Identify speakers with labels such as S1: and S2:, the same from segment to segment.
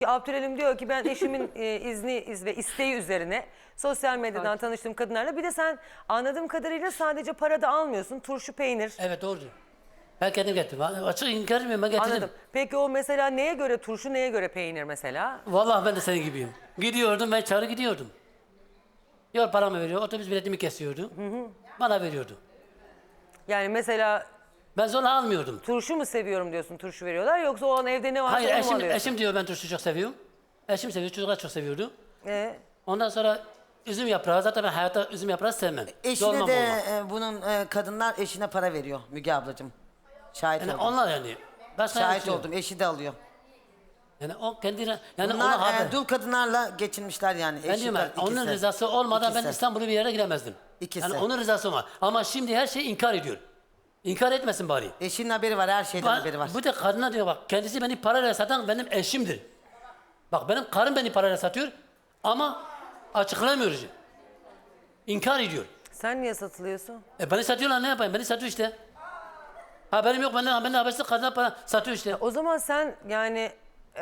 S1: Abdülelim diyor ki ben eşimin izni ve isteği üzerine sosyal medyadan tanıştığım kadınlarla, bir de sen anladığım kadarıyla sadece para da almıyorsun, turşu peynir.
S2: Evet, doğru. Ben kendim getirdim. Açık inkar etmiyorum, ben getirdim.
S1: Anladım. Peki o mesela neye göre turşu, neye göre peynir mesela?
S2: Vallahi ben de senin gibiyim. Gidiyordum, ben çağrı gidiyordum. Yol paramı veriyor, otobüs biletimi kesiyordu. Bana veriyordu.
S1: Yani mesela
S2: Ben zorla almıyordum.
S1: turşu mu seviyorum diyorsun, turşu veriyorlar, yoksa o an evde ne varsa
S2: Hayır,
S1: onu mu alıyorsun?
S2: eşim diyor ben turşu çok seviyorum. Eşim seviyor, çocuklar çok seviyordu.
S1: Ee?
S2: Ondan sonra üzüm yaprağı, zaten ben hayatta üzüm yaprağı sevmem.
S3: Eşine
S2: Dolmam
S3: de
S2: olmaz.
S3: bunun kadınlar eşine para veriyor Müge ablacığım. Şahit
S2: Yani
S3: oldum.
S2: onlar yani. Başka
S3: Şahit
S2: bir şey yok.
S3: oldum. Eşi de alıyor.
S2: Yani o kendine, yani ona
S3: Bunlar
S2: haber.
S3: dul kadınlarla geçinmişler yani.
S2: Ben diyorum ya, onun rızası olmadan ben
S3: İkisi.
S2: İstanbul'u bir yere giremezdim.
S3: İkisi.
S2: Yani onun rızası var. Ama şimdi her şeyi inkar ediyor. İnkar etmesin bari.
S3: Eşinin haberi var, her şeyden haberi var.
S2: Bu da kadına diyor, bak kendisi beni parayla satan benim eşimdir. Bak benim karım beni parayla satıyor ama açıklamıyor. İnkar ediyor.
S1: Sen niye satılıyorsun?
S2: Beni satıyorlar, ne yapayım? Beni satıyor işte. Haberim yok, benden habersiz kadına para satıyor işte.
S1: O zaman sen yani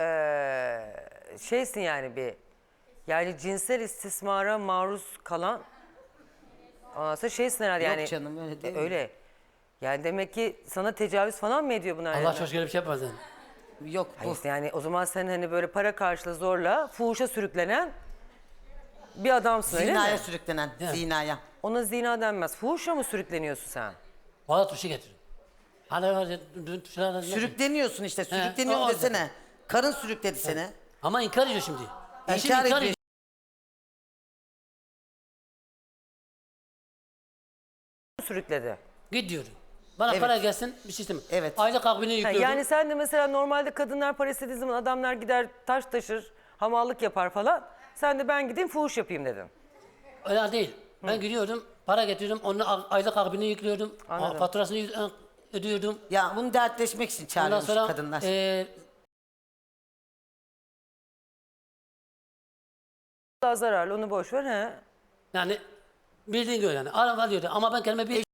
S1: şeysin yani yani cinsel istismara maruz kalan, ondan sonra şeysin herhalde
S3: Yok
S1: yani.
S3: canım, öyle değil mi?
S1: Öyle. Yani demek ki sana tecavüz falan mı ediyor bunlar?
S2: Allah
S1: yani?
S2: çok öyle bir şey yapmaz yani.
S3: Yok bu.
S1: Hayır, yani o zaman sen hani böyle para karşılığı zorla fuhuşa sürüklenen bir adamsın, öyle
S3: Zinaya
S1: mi?
S3: sürüklenen.
S2: Yani.
S3: Zinaya.
S1: Ona zina denmez. Fuhuşa mı sürükleniyorsun sen?
S2: Valla turşu getir. Hani var ya, turşular...
S3: Sürükleniyorsun işte. Sürükleniyorum
S2: o-
S3: desene. Karın sürükledi seni.
S2: Ama inkar ediyor şimdi. Eşim
S3: İnkar
S2: inkar
S3: ediyor.
S2: ediyor.
S1: Sürükledi.
S2: Git diyor. Bana
S3: Evet.
S2: para gelsin, bir şey istemiyorum.
S3: Evet.
S2: Aylık akbini
S1: Ha,
S2: yüklüyorum.
S1: yani sen de mesela normalde kadınlar para istediği zaman adamlar gider taş taşır, hamallık yapar falan. Sen de ben gideyim fuhuş yapayım dedin.
S2: Öyle değil. Ben gidiyordum, para getiriyordum, onun aylık akbini yüklüyordum.
S1: Anladım.
S2: Faturasını ödüyordum.
S3: Ya bunu dertleşmek için
S2: Ondan
S3: çağırıyormuş
S2: sonra
S3: kadınlar.
S1: Daha zararlı, onu boş ver he.
S2: Yani bildiğin gibi yani. Araba diyordu ama ben kendime bir...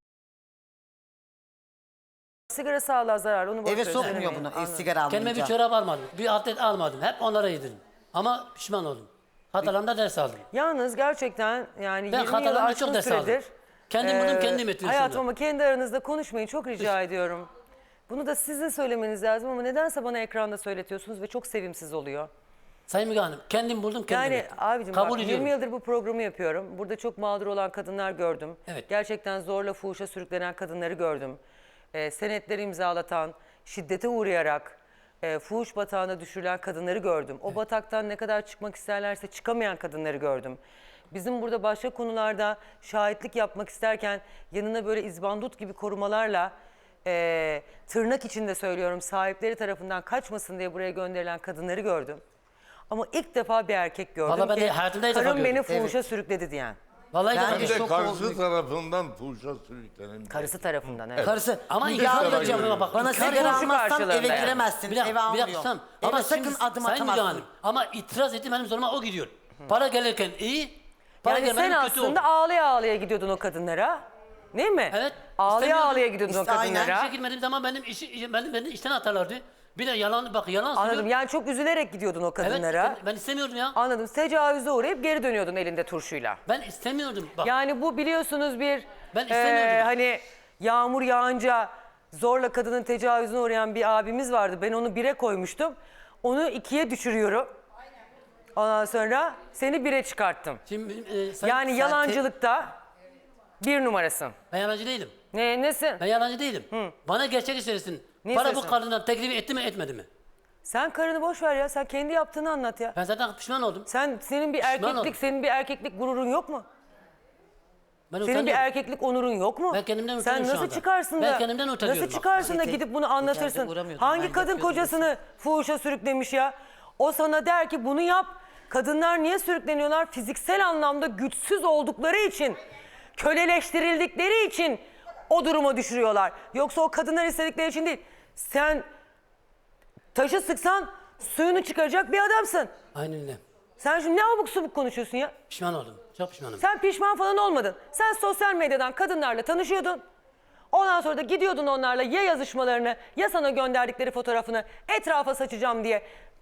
S1: Sigara sağlığa zararlı, onu boş ver.
S3: Eve sokmuyor
S1: söylemeyin.
S3: bunu.
S1: Anladım.
S3: Sigara
S2: Kendime bir
S3: almayınca.
S2: çorap almadım, bir atlet almadım. Hep onlara yedirdim. Ama pişman oldum. Hatalarımda ders aldım.
S1: Yalnız gerçekten yani
S2: Ben
S1: 20 yılı
S2: hatalarımda
S1: aşkın
S2: çok ders aldım.
S1: süredir.
S2: Kendim buldum, kendim ettim
S1: Hayatım
S2: sonra.
S1: ama kendi aranızda konuşmayın, çok rica ediyorum. Bunu da sizin söylemeniz lazım ama nedense bana ekranda söyletiyorsunuz ve çok sevimsiz oluyor.
S2: Sayın Müge Hanım, kendim buldum, kendim
S1: Yani
S2: ettim.
S1: abicim
S2: Kabul
S1: bak,
S2: ediyorum.
S1: 20 yıldır bu programı yapıyorum. Burada çok mağdur olan kadınlar gördüm.
S2: Evet.
S1: Gerçekten zorla fuhuşa sürüklenen kadınları gördüm. Senetleri imzalatan, şiddete uğrayarak fuhuş batağına düşürülen kadınları gördüm. O bataktan ne kadar çıkmak isterlerse çıkamayan kadınları gördüm. Bizim burada başka konularda şahitlik yapmak isterken yanına böyle izbandut gibi korumalarla tırnak içinde söylüyorum, sahipleri tarafından kaçmasın diye buraya gönderilen kadınları gördüm. Ama ilk defa bir erkek gördüm
S2: Vallahi ben
S1: ki
S2: de hayatımda ilk defa
S1: karım beni
S2: gördüm.
S1: fuhuşa sürükledi diyen.
S2: Vallahi
S3: Ben
S2: de
S3: de
S4: Bir de
S3: şok
S4: karşı
S3: oldum.
S4: tarafından fuhuşa sürüklenen.
S1: Karısı tarafından, evet.
S3: Karısı.
S2: Ama
S3: Müge
S2: inkar
S3: ablacığım,
S2: ediyorum. Bak,
S3: bana
S2: inkar
S3: sigara
S1: ediyorum.
S3: almazsan
S1: Karşılığında
S3: eve
S1: yani.
S3: giremezsin.
S2: Bir dakika,
S3: Eve almıyor.
S2: tutam.
S3: Eve
S2: Ama
S3: sakın
S2: şimdi
S3: adım
S2: Sayın Müge
S3: atamazsın.
S2: Hanım, ama itiraz ettim, benim zoruma o gidiyor. Para gelirken iyi, para
S1: Yani sen
S2: gelmeden kötü oldu.
S1: aslında ağlaya ağlaya gidiyordun o kadınlara. Değil mi?
S2: Evet.
S1: Ağlaya
S2: istemiyordum.
S1: ağlaya gidiyordun o
S3: İşte aynen.
S1: kadınlara.
S2: İşe girmediğim zaman beni işten atarlardı. Bir de yalan, bak yalan
S1: Anladım.
S2: söylüyor.
S1: Yani çok üzülerek gidiyordun o
S2: Evet,
S1: kadınlara.
S2: ben istemiyordum ya.
S1: Anladım. Tecavüze uğrayıp geri dönüyordun elinde turşuyla.
S2: Ben istemiyordum. Bak,
S1: Yani bu biliyorsunuz bir
S2: Ben istemiyordum.
S1: hani yağmur yağınca zorla kadının tecavüzüne uğrayan bir abimiz vardı. Ben onu 1'e koymuştum. Onu 2'ye düşürüyorum. Ondan sonra seni 1'e çıkarttım.
S2: şimdi,
S1: Yani yalancılıkta 1 numarasın.
S2: ben yalancı değilim.
S1: Nesin?
S2: Ben yalancı değilim. Bana gerçeği söylesin.
S1: Ne
S2: Para bu
S1: söylesin?
S2: kadından teklif etti mi etmedi mi?
S1: Sen karını boş ver ya. Sen kendi yaptığını anlat ya.
S2: Ben zaten pişman oldum.
S1: Senin bir
S2: oldum.
S1: erkeklik gururun yok mu?
S2: Ben
S1: Senin bir
S2: utanıyorum.
S1: erkeklik onurun yok mu?
S2: Ben kendimden
S1: Sen
S2: utanıyorum şu
S1: nasıl
S2: anda.
S1: çıkarsın
S2: Ben
S1: da?
S2: kendimden utanıyorum
S1: Nasıl
S2: bak.
S1: çıkarsın da
S3: Şeyde,
S1: gidip bunu anlatırsın?
S3: uğramıyordum,
S1: Hangi
S3: ben
S1: kadın
S3: yapıyordum
S1: kocasını fuhuşa sürüklemiş ya? O sana der ki bunu yap. Kadınlar niye sürükleniyorlar? Fiziksel anlamda güçsüz oldukları için, köleleştirildikleri için o duruma düşürüyorlar. Yoksa o kadınlar istedikleri için değil. Sen taşı sıksan suyunu çıkaracak bir adamsın.
S2: Aynen öyle.
S1: Sen şimdi ne abuk subuk konuşuyorsun ya?
S2: Pişman oldum. Çok pişmanım.
S1: Sen pişman falan olmadın. Sen sosyal medyadan kadınlarla tanışıyordun. Ondan sonra da gidiyordun onlarla ya yazışmalarını ya sana gönderdikleri fotoğrafını etrafa saçacağım diye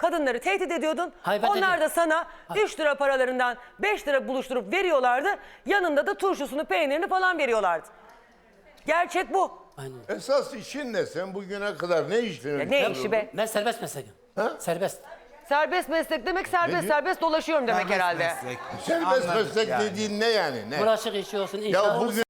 S1: Kadınları tehdit ediyordun.
S2: Hayır, ben
S1: Onlar
S2: dedim.
S1: da sana 3 lira paralarından 5 lira buluşturup veriyorlardı. Yanında da turşusunu, peynirini falan veriyorlardı. Gerçek bu.
S2: Aynen.
S4: Esas işin ne? Sen bugüne kadar ne işledin?
S1: Ya ne işi be?
S2: Ben serbest mesleğim.
S4: Ha?
S2: Serbest.
S1: Serbest meslek demek serbest dolaşıyorum demek herhalde.
S4: Serbest meslek dediğin ne yani? Ne?
S2: Bulaşık işi olsun, inşaat
S4: Ya
S2: olsun.
S4: bugün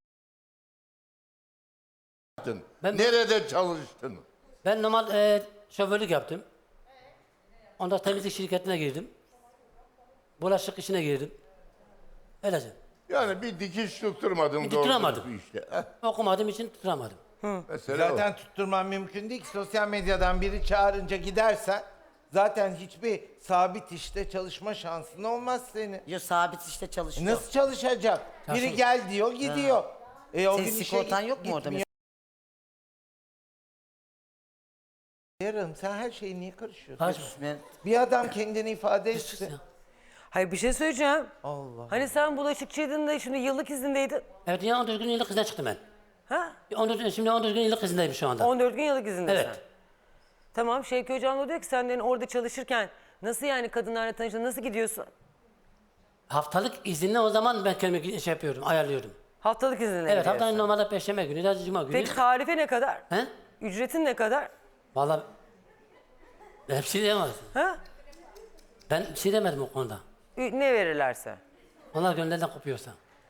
S2: Ben-
S4: nerede çalıştın?
S2: Ben normal şoförlük yaptım. Ondan temizlik şirketine girdim. Bulaşık işine girdim. Öylece.
S4: Yani bir dikiş tutturmadın.
S2: Bir
S4: doğru
S2: tutturamadım.
S4: dürüst bir işte.
S2: Okumadığım için tutturamadım.
S4: Mesela
S5: Zaten tutturman mümkün değil ki. Sosyal medyadan biri çağırınca gidersen zaten hiçbir sabit işte çalışma şansın olmaz senin.
S3: Yo, sabit işte çalışıyor.
S5: Nasıl çalışacak? Biri
S2: Çalışıyor.
S5: gel diyor, gidiyor. O
S3: Senin
S5: gün işe
S3: sigortan yok mu orada
S5: gitmiyor. Yarım sen her şeye niye karışıyorsun?
S2: Karışma.
S3: Ben-
S5: Bir adam kendini ifade
S2: Sus
S5: etsin.
S2: ya.
S1: Hayır bir şey söyleyeceğim.
S5: Allah.
S1: Hani sen bulaşıkçıydın da şimdi yıllık izindeydin.
S2: Evet ya 14 gün yıllık izne çıktım ben.
S1: Ha?
S2: 14 gün yıllık izindeyim şu anda.
S1: 14 gün yıllık izindesin.
S2: Evet.
S1: Tamam Şevki Hocam da diyor ki sen de orada çalışırken nasıl yani kadınlarla tanıştın, nasıl gidiyorsun?
S2: Haftalık izinle o zaman ben kendimi şey yapıyorum, ayarlıyorum.
S1: Haftalık izinle
S2: Evet
S1: gidiyorsun.
S2: haftanın normalde perşembe günü ya da cuma günü.
S1: Peki tarife ne kadar?
S2: He?
S1: Ücretin ne kadar?
S2: Vallahi ben bir şey diyemezdim.
S1: Ha?
S2: Ben bir şey demedim o konuda.
S1: Ne verirlerse.
S2: Onlar gönderden kopuyorsa.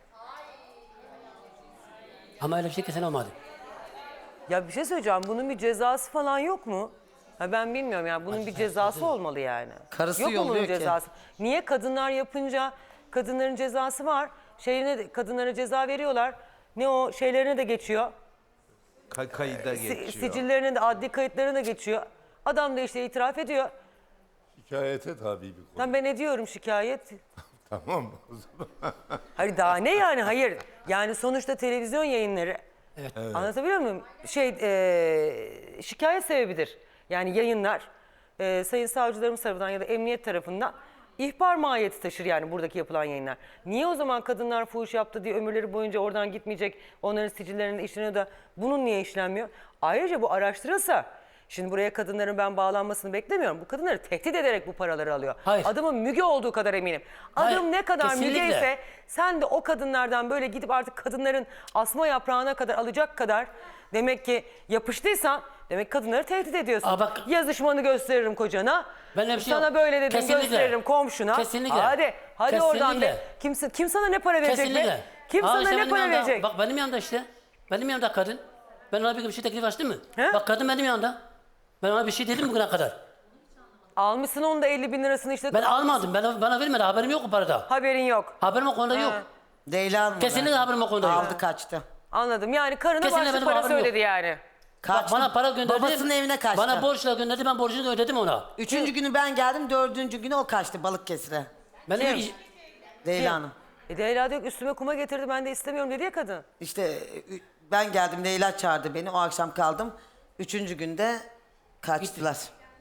S2: Ama öyle bir şey kesin olmadı.
S1: Ya bir şey söyleyeceğim. Bunun bir cezası falan yok mu? Ha ben bilmiyorum yani bunun bir cezası olmalı yani.
S3: Karısı
S1: yok mu bunun
S3: yolluyor ki.
S1: cezası? Niye kadınlar yapınca kadınların cezası var. Kadınlara ceza veriyorlar. Ne o şeylerine de geçiyor.
S5: Kayıda geçiyor.
S1: Sicillerine de adli kayıtlarına da geçiyor. Adam da işte itiraf ediyor.
S4: hikayete tabi bir konu.
S1: Lan ben ne diyorum şikayet?
S4: Tamam o zaman.
S1: Hayır daha ne yani hayır. Yani sonuçta televizyon yayınları.
S2: Evet.
S1: Anlatabiliyor muyum? Şikayet sebebidir. Yani yayınlar sayın savcılarımız tarafından ya da emniyet tarafından ihbar mahiyeti taşır yani buradaki yapılan yayınlar. Niye o zaman kadınlar fuhuş yaptı diye ömürleri boyunca oradan gitmeyecek, onların sicillerinde işleniyor da bunun niye işlenmiyor? Ayrıca bu araştırılsa, şimdi buraya kadınların ben bağlanmasını beklemiyorum. Bu kadınları tehdit ederek bu paraları alıyor.
S2: Hayır.
S1: Adamın Müge olduğu kadar eminim. Adım
S2: Hayır,
S1: ne kadar
S2: kesinlikle.
S1: Müge ise sen de o kadınlardan böyle gidip artık kadınların asma yaprağına kadar alacak kadar demek ki yapıştıysan demek kadınları tehdit ediyorsun.
S2: Aa, bak-
S1: Yazışmanı gösteririm kocana.
S2: Ben öyle bir şey
S1: Sana
S2: yok.
S1: böyle dedim
S2: Kesinlikle.
S1: gösteririm komşuna.
S2: Kesinlikle.
S1: Hadi oradan be.
S2: Kesinlikle.
S1: Kim sana ne para verecek
S2: Kesinlikle.
S1: be? Kim
S2: Aa,
S1: sana
S2: işte
S1: ne
S2: benim
S1: para
S2: yanımda-
S1: verecek?
S2: Bak benim yanımda işte. Benim yanımda kadın. Ben ona bir şey teklif açtım mı?
S1: He?
S2: Bak kadın benim yanımda. Ben ona bir şey dedim bugüne kadar.
S1: Almışsın onun da 50 bin lirasını işte.
S2: Ben almadım. Bana vermedi. Haberim yok o parada.
S1: Haberin yok.
S2: Haberim o konuda yok.
S3: Leyla Hanım
S2: Kesinlikle haberim o konuda yok.
S3: aldı kaçtı.
S1: Anladım. Yani karına
S2: Kesinlikle
S1: başlık
S2: benim
S1: parası
S2: haberim yok.
S1: ödedi yani.
S2: Bak bana para gönderdi.
S3: Babasının evine kaçtı.
S2: Bana borçla gönderdi. Ben borcunu da ödedim ona.
S3: 3. günü ben geldim, 4. günü o kaçtı Balıkesir'e.
S2: Benim
S1: Kim?
S3: Leyla Hanım.
S1: Leyla diyor ki üstüme kuma getirdi ben de istemiyorum dedi ya kadın.
S3: İşte ben geldim, Leyla çağırdı beni. O akşam kaldım. 3. günde kaçtılar.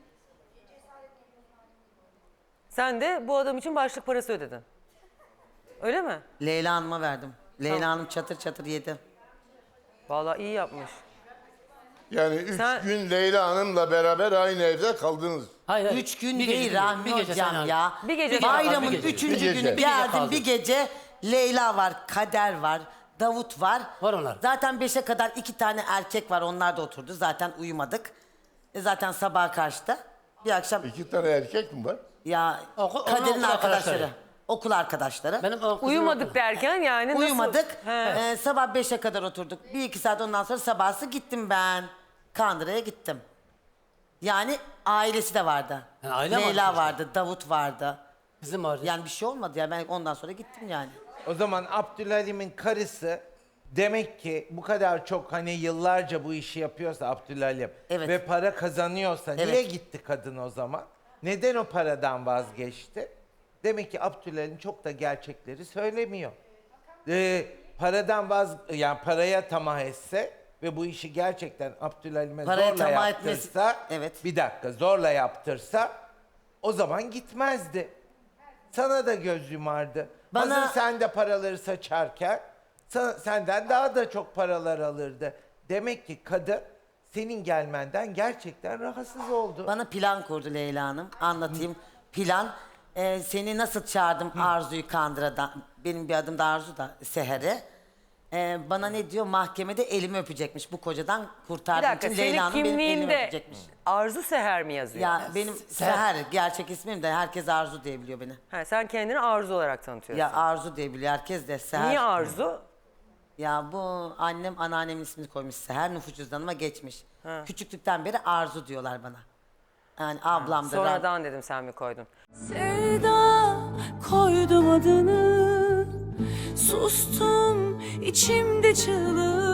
S1: Sen de bu adam için başlık parası ödedin. Öyle mi?
S3: Leyla Hanım'a verdim. Leyla Hanım çatır çatır yedi.
S1: Vallahi iyi yapmış.
S4: Yani 3
S1: Sen-
S4: gün Leyla Hanım'la beraber aynı evde kaldınız.
S2: Hayır, hayır.
S3: 3 gün
S2: Bir gece,
S3: değil
S2: bir
S3: Rahmi
S2: gece
S3: Hocam
S2: sen
S3: ya.
S1: Bir gece
S3: Bayramın
S2: bir gece.
S3: 3.
S4: Bir gece.
S3: günü
S4: Bir
S2: gece
S3: geldim,
S2: kaldı.
S3: bir gece Leyla var, Kader var, Davut var.
S2: Var onlar.
S3: Zaten 5'e kadar 2 tane erkek var, onlar da oturdu. Zaten uyumadık. Zaten sabaha karşıda. Bir akşam
S4: 2 tane erkek mi var?
S3: ya
S2: Onun
S3: Kader'in
S2: okul
S3: arkadaşları.
S2: arkadaşları.
S3: Okul arkadaşları.
S2: Benim o kızım
S1: Uyumadık
S2: okul.
S1: derken yani nasıl?
S3: Uyumadık.
S1: He.
S3: Sabah 5'e kadar oturduk. 1-2 saat ondan sonra sabahsı gittim ben. Kandıra'ya gittim. Yani ailesi de vardı.
S2: Yani aile mi
S3: Leyla
S2: vardı
S3: vardı, Davut vardı.
S2: Kızım vardı.
S3: Yani bir şey olmadı ya, ben ondan sonra gittim yani.
S5: O zaman Abdülhalim'in karısı demek ki bu kadar çok hani yıllarca bu işi yapıyorsa Abdülhalim
S3: Evet.
S5: ve para kazanıyorsa
S3: Evet.
S5: niye gitti kadın o zaman? Neden o paradan vazgeçti? Demek ki Abdülhalim çok da gerçekleri söylemiyor. Yani paraya tamah etse ve bu işi gerçekten Abdülhalim'e
S3: Paraya
S5: zorla
S3: tamah
S5: yaptırsa,
S3: etmesi- evet.
S5: bir dakika zorla yaptırsa o zaman gitmezdi. Sana da göz yumardı.
S3: Bana-
S5: Hazır sen de paraları saçarken senden daha da çok paralar alırdı. Demek ki kadın senin gelmenden gerçekten rahatsız oldu.
S3: Bana plan kurdu Leyla Hanım. Anlatayım. Plan. Seni nasıl çağırdım Arzu'yu Kandıra'dan. Benim bir adım da Arzu da Seher'e. Bana ne diyor? Mahkemede elimi öpecekmiş. Bu kocadan
S1: Bir
S3: kurtardığım
S1: dakika
S3: için
S1: senin
S3: Leyla Hanım benim elimi
S1: kimliğinde
S3: öpecekmiş.
S1: Arzu Seher mi yazıyor?
S3: Ya benim Seher gerçek ismim de herkes Arzu diye biliyor beni.
S1: Ha, sen kendini Arzu olarak tanıtıyorsun.
S3: Ya Arzu diye biliyor herkes de Seher.
S1: Niye Arzu?
S3: Ya bu annem anneannemin ismini koymuş Seher, nüfus cüzdanıma geçmiş. Küçüklükten beri Arzu diyorlar bana. Yani ablam da ben.
S1: Sonradan dedim sen mi koydun?
S6: Sevda koydum adını, sustum içimde çığlık.